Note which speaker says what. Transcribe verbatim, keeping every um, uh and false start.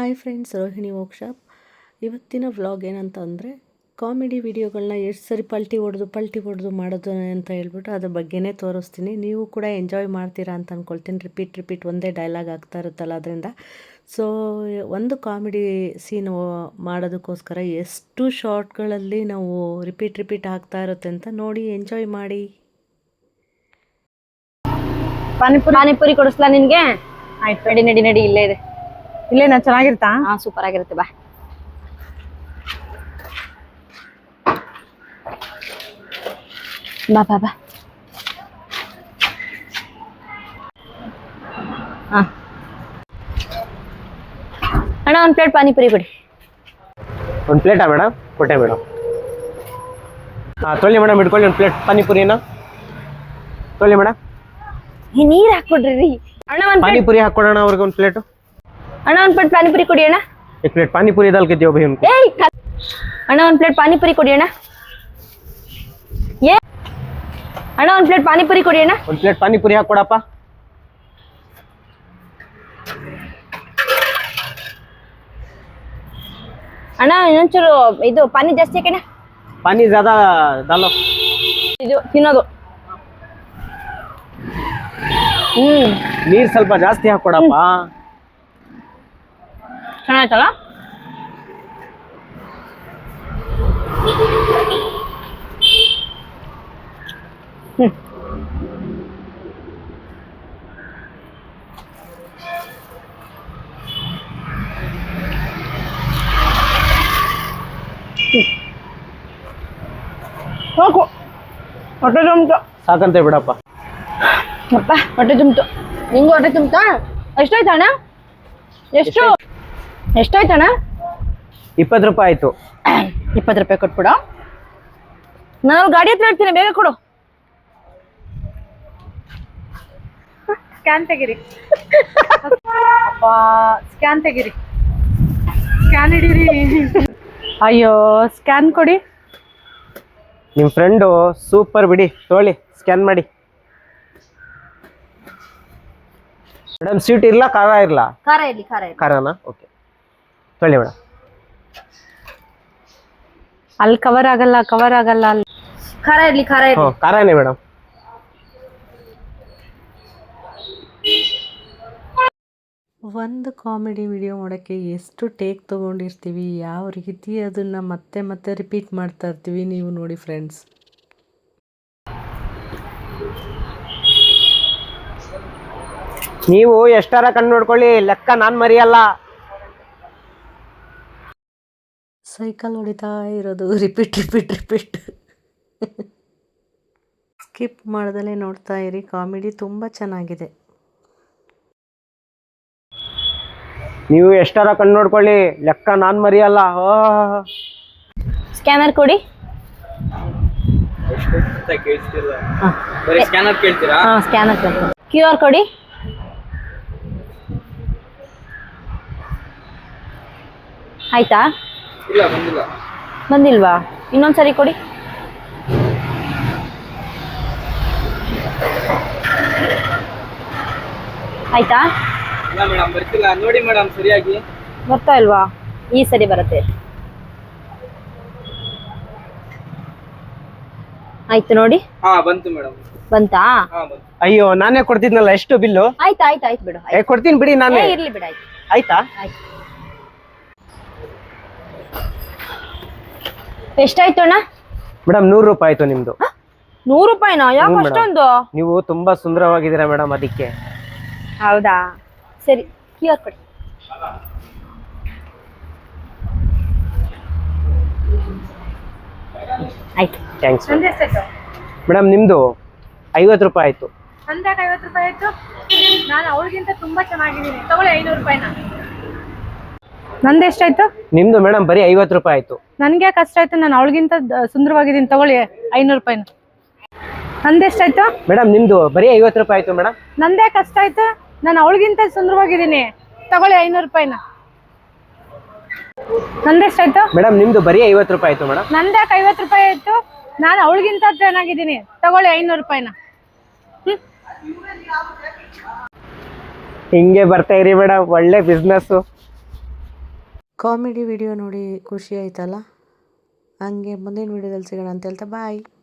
Speaker 1: Hi friends, Rohini workshop. ಇವತ್ತಿನ vlog ಏನಂತ ಅಂದರೆ ಕಾಮಿಡಿ ವಿಡಿಯೋಗಳನ್ನ ಎಷ್ಟು ಸರಿ ಪಲ್ಟಿ ಹೊಡೆದು ಪಲ್ಟಿ ಹೊಡೆದು ಮಾಡೋದು ಅಂತ ಹೇಳ್ಬಿಟ್ಟು ಅದ್ರ ಬಗ್ಗೆನೇ ತೋರಿಸ್ತೀನಿ. ನೀವು ಕೂಡ ಎಂಜಾಯ್ ಮಾಡ್ತೀರಾ ಅಂತ ಅಂದ್ಕೊಳ್ತೀನಿ. ರಿಪೀಟ್ ರಿಪೀಟ್ ಒಂದೇ ಡೈಲಾಗ್ ಆಗ್ತಾ ಇರುತ್ತಲ್ಲ ಅದರಿಂದ. ಸೊ ಒಂದು ಕಾಮಿಡಿ ಸೀನ್ ಮಾಡೋದಕ್ಕೋಸ್ಕರ ಎಷ್ಟು ಶಾರ್ಟ್ಗಳಲ್ಲಿ ನಾವು ರಿಪೀಟ್ ರಿಪೀಟ್ ಆಗ್ತಾ ಇರುತ್ತೆ ಅಂತ ನೋಡಿ ಎಂಜಾಯ್ ಮಾಡಿ.
Speaker 2: ಪಾನಿಪುರಿ ಪಾನಿಪುರಿ ಕೊಡಿಸ್ಲಾ ನಿನ್ಗೆ? ಆಯ್ತು, ನಡಿ ನಡಿ ನಡಿ, ಇಲ್ಲೇ ಇದೆ.
Speaker 3: ಇಲ್ಲೇನಾ ಚೆನ್ನಾಗಿರುತ್ತಾ?
Speaker 2: ಹಾ, ಸೂಪರ್ ಆಗಿರುತ್ತೆ. ಬಾ ಬಾ ಬಾ ಬಾ. ಹಾ ಅಣ್ಣ, ಒಂದ್ ಪ್ಲೇಟ್ ಪಾನಿಪುರಿ ಕೊಡಿ.
Speaker 4: ಒಂದು ಪ್ಲೇಟಾ ಮೇಡಮ್? ಕೊಟ್ಟೆ ಮೇಡಮ್. ಹಾಂ ತೊಗೊಳ್ಳಿ ಮೇಡಮ್, ಇಟ್ಕೊಳ್ಳಿ ಒಂದು ಪ್ಲೇಟ್ ಪಾನಿಪುರಿನ ತೊಗೊಳ್ಳಿ ಮೇಡಮ್.
Speaker 2: ನೀರ್ ಹಾಕ್ಬಿಡ್ರಿ ಅಣ್ಣ. ಒಂದ್
Speaker 4: ಪಾನಿಪುರಿ ಹಾಕೊಡೋಣ ಅವ್ರಿಗೆ ಒಂದು ಪ್ಲೇಟು.
Speaker 2: ಅಣ್ಣ ಒಂದ್ ಪ್ಲೇಟ್ ಪಾನಿಪುರಿ ಕೊಡಿ ಅಣ್ಣ.
Speaker 4: एक प्लेट पानीपुरी दाल के दियो भाई उनको.
Speaker 2: ಏಯ್ ಅಣ್ಣ, ಒಂದ್ ಪ್ಲೇಟ್ ಪಾನಿಪುರಿ ಕೊಡಿ ಅಣ್ಣ. ಏ ಅಣ್ಣ, ಒಂದ್ ಪ್ಲೇಟ್ ಪಾನಿಪುರಿ ಕೊಡಿ ಅಣ್ಣ.
Speaker 4: ಒಂದು ಪ್ಲೇಟ್ ಪಾನಿಪುರಿ ಹಾಕೊಡಪ್ಪ.
Speaker 2: ಅಣ್ಣ ಇನ್ನೊಂಚೂರು ಇದು ಪಾನಿ ಜಾಸ್ತಿ ಹಾಕಣ್ಣ.
Speaker 4: पानी ज्यादा डालो.
Speaker 2: ಇದು ತಿನ್ನೋದು. ಹ್ಮ್
Speaker 4: ನೀರು ಸ್ವಲ್ಪ ಜಾಸ್ತಿ ಹಾಕೊಡಪ್ಪ.
Speaker 2: ಚೆನ್ನಾಯ್ತಲ್ಲ? ಹ್ಮ್ ಸಾಕು, ಹೊಟ್ಟೆ ತುಂಬಿತು.
Speaker 4: ಸಾಕಂತೆ ಬಿಡಪ್ಪ.
Speaker 2: ಅಪ್ಪ, ಹೊಟ್ಟೆ ತುಂಬಿತು. ನಿಂಗೂ ಹೊಟ್ಟೆ ತುಂಬಿತಾ? ಎಷ್ಟಾಯ್ತು ಅಣ್ಣ? ಎಷ್ಟು ಎಷ್ಟಾಯ್ತು ಅಣ್ಣ?
Speaker 4: ಇಪ್ಪತ್ತು ರೂಪಾಯಿ ಆಯ್ತು.
Speaker 2: ಇಪ್ಪತ್ತು ರೂಪಾಯಿ ಕೊಟ್ಬಿಡು. ನಾನು ಗಾಡಿ ಹತ್ರ ಇರ್ತೀನಿ, ಬೇಗ ಕೊಡು.
Speaker 3: ಸ್ಕ್ಯಾನ್ ತೆಗಿರಿ. ಅಪ್ಪ, ಸ್ಕ್ಯಾನ್ ತೆಗಿರಿ. ಸ್ಕ್ಯಾನ್ ಹಿಡೀರಿ. ಅಯ್ಯೋ, ಸ್ಕ್ಯಾನ್ ಕೊಡಿ.
Speaker 4: ನಿಮ್ಮ ಫ್ರೆಂಡು ಸೂಪರ್ ಬಿಡಿ, ತೊಗೊಳ್ಳಿ ಸ್ಕ್ಯಾನ್ ಮಾಡಿ. ಮೇಡಮ್ ಸ್ವೀಟ್ ಇರಲ್ಲ, ಖಾರ ಇರಲ್ಲ?
Speaker 2: ಖಾರ ಇರ್ಲಿ, ಖಾರ ಇರ್ಲಿ.
Speaker 4: ಖಾರನಾ? ಓಕೆ, ತೊಗೊಳ್ಳಿ ಮೇಡಮ್.
Speaker 3: ಅಲ್ಲಿ ಕವರ್ ಆಗಲ್ಲ, ಕವರ್ ಆಗಲ್ಲ. ಅಲ್ಲಿ
Speaker 2: ಖಾರ ಇರ್ಲಿ, ಖಾರ ಇರ್ಲಿ.
Speaker 4: ಹ್ಞೂ, ಖಾರನೇ ಮೇಡಮ್.
Speaker 1: ಒಂದು ಕಾಮಿಡಿ ವಿಡಿಯೋ ಮಾಡೋಕ್ಕೆ ಎಷ್ಟು ಟೇಕ್ ತೊಗೊಂಡಿರ್ತೀವಿ, ಯಾವ ರೀತಿ ಅದನ್ನು ಮತ್ತೆ ಮತ್ತೆ ರಿಪೀಟ್ ಮಾಡ್ತಾ ಇರ್ತೀವಿ. ನೀವು ನೋಡಿ ಫ್ರೆಂಡ್ಸ್.
Speaker 4: ನೀವು ಎಷ್ಟಾರ ಕಣ್ಣು ನೋಡ್ಕೊಳ್ಳಿ, ಲೆಕ್ಕ ನಾನು ಮರಿಯಲ್ಲ.
Speaker 1: ಸೈಕಲ್ ಹೊಡಿತಾ ಇರೋದು ರಿಪೀಟ್ ರಿಪೀಟ್ ರಿಪೀಟ್. ಸ್ಕಿಪ್ ಮಾಡ್ದಲೇ ನೋಡ್ತಾ ಇರಿ, ಕಾಮಿಡಿ ತುಂಬ ಚೆನ್ನಾಗಿದೆ.
Speaker 4: ನೀವು ಎಷ್ಟಾರ ಕಣ್ಣು ನೋಡ್ಕೊಳ್ಳಿ, ಲೆಕ್ಕ ನಾನು ಮರಿಯಲ್ಲ.
Speaker 2: ಸ್ಕ್ಯಾನರ್ ಕೊಡಿ.
Speaker 4: ಸ್ಕ್ಯಾನರ್ ಕೇಳ್ತೀರಾ?
Speaker 2: ಹಾ, ಸ್ಕ್ಯಾನರ್ ಕೊಡಿ. ಕ್ಯೂ ಆರ್ ಕೊಡಿ. ಆಯ್ತಾ?
Speaker 4: ಇಲ್ಲ, ಬಂದಿಲ್ಲ.
Speaker 2: ಬಂದಿಲ್ವಾ? ಇನ್ನೊಂದ್ಸರಿ ಕೊಡಿ. ಆಯ್ತಾ?
Speaker 4: ಇಲ್ಲ ಮೇಡಮ್, ಬರ್ತಿಲ್ಲ. ನೋಡಿ ಮೇಡಮ್, ಸರಿಯಾಗಿ
Speaker 2: ಬರ್ತಾ ಇಲ್ವಾ? ಈ ಸರಿ ಬರುತ್ತೆ. ಆಯ್ತು ನೋಡಿ.
Speaker 4: ಹಾ, ಬಂತು ಮೇಡಮ್.
Speaker 2: ಬಂತಾ?
Speaker 4: ಅಯ್ಯೋ, ನಾನೇ ಕೊಡ್ತಿದ್ನಲ್ಲ. ಎಷ್ಟು ಬಿಲ್ಲು?
Speaker 2: ಆಯ್ತು ಆಯ್ತು ಆಯ್ತು ಬಿಡು.
Speaker 4: ಏ, ಕೊಡ್ತೀನಿ ಬಿಡಿ, ನಾನೇ.
Speaker 2: ಏ, ಇರ್ಲಿ ಬಿಡು. ಆಯ್ತು
Speaker 4: ಆಯ್ತಾ?
Speaker 2: ಆಯ್ತು. ಎಷ್ಟಾಯ್ತು ಅಣ್ಣ?
Speaker 4: ಮೇಡಮ್, ನೂರು ರೂಪಾಯಿ ಆಯ್ತು ನಿಮ್ದು.
Speaker 2: ನೂರು ರೂಪಾಯಿನಾ? ಯಾಕೆ ಅಷ್ಟೊಂದು?
Speaker 4: ನೀವು ತುಂಬಾ ಸುಂದರವಾಗಿದ್ದೀರಾ ಮೇಡಮ್, ಅದಕ್ಕೆ.
Speaker 2: ಹೌದಾ? ಸರಿ, ಕ್ಯೂ ಆರ್ ಕೊಡಿ. ಆಯ್ತು,
Speaker 4: ಥ್ಯಾಂಕ್ಸ್
Speaker 3: ಎಷ್ಟಾಯ್ತು?
Speaker 4: ಮೇಡಮ್. ನಿಮ್ದು ಐವತ್ತು ರೂಪಾಯಿ ಆಯ್ತು.
Speaker 3: ಅಂದಾಗ ಐವತ್ತು ರೂಪಾಯಿ ಆಯ್ತು. ನಾನು ಅವಳಿಗಿಂತ ತುಂಬಾ ಚೆನ್ನಾಗಿದ್ದೀನಿ, ತಗೊಳ್ಳಿ ಐನೂರು ರೂಪಾಯಿನ. ನಂದು ಎಷ್ಟಾಯ್ತು?
Speaker 4: ನಿಮ್ದು ಮೇಡಮ್ ಬರೀ ಐವತ್ತು ರೂಪಾಯಿ ಆಯ್ತು.
Speaker 3: ನನ್ಗೆ ಯಾಕೆ ಕಷ್ಟ ಆಯ್ತು? ನಾನು ಅವಳಿಗಿಂತ ಸುಂದರವಾಗಿದ್ದೀನಿ, ತಗೊಳ್ಳಿ ಐನೂರು ರೂಪಾಯಿನ. ನಂದು ಎಷ್ಟಾಯ್ತು?
Speaker 4: ಮೇಡಮ್ ನಿಮ್ದು ಬರೀ ಐವತ್ತು ರೂಪಾಯಿ ಆಯ್ತು ಮೇಡಮ್.
Speaker 3: ನಂದೇ ಕಷ್ಟ ಆಯ್ತು? ನಾನು ಅವಳಿಗಿಂತ ಸುಂದರವಾಗಿದ್ದೀನಿ, ತಗೊಳ್ಳಿ ಐನೂರು ರೂಪಾಯಿನ. ನಂದೆಷ್ಟಾಯ್ತು?
Speaker 4: ಮೇಡಮ್ ನಿಮ್ದು ಬರೀ ಐವತ್ತು ರೂಪಾಯಿ ಆಯ್ತು ಮೇಡಮ್.
Speaker 3: ನಂದ್ಯಾಕೆ ಐವತ್ತು ರೂಪಾಯಿ ಆಯ್ತು? ನಾನು ಅವಳಿಗಿಂತ ಚೆನ್ನಾಗಿದ್ದೀನಿ, ತಗೊಳ್ಳಿ ಐನೂರು ರೂಪಾಯಿನ.
Speaker 4: ಹಿಂಗೆ ಬರ್ತಾ ಇರಿ ಮೇಡಮ್, ಒಳ್ಳೆ ಬಿಸ್ನೆಸ್.
Speaker 1: ಕಾಮಿಡಿ ವಿಡಿಯೋ ನೋಡಿ ಖುಷಿ ಆಯ್ತಲ್ಲ, ಹಂಗೆ ಮುಂದಿನ ವಿಡಿಯೋದಲ್ಲಿ ಸಿಗೋಣ ಅಂತ ಹೇಳ್ತಾ ಬಾಯ್.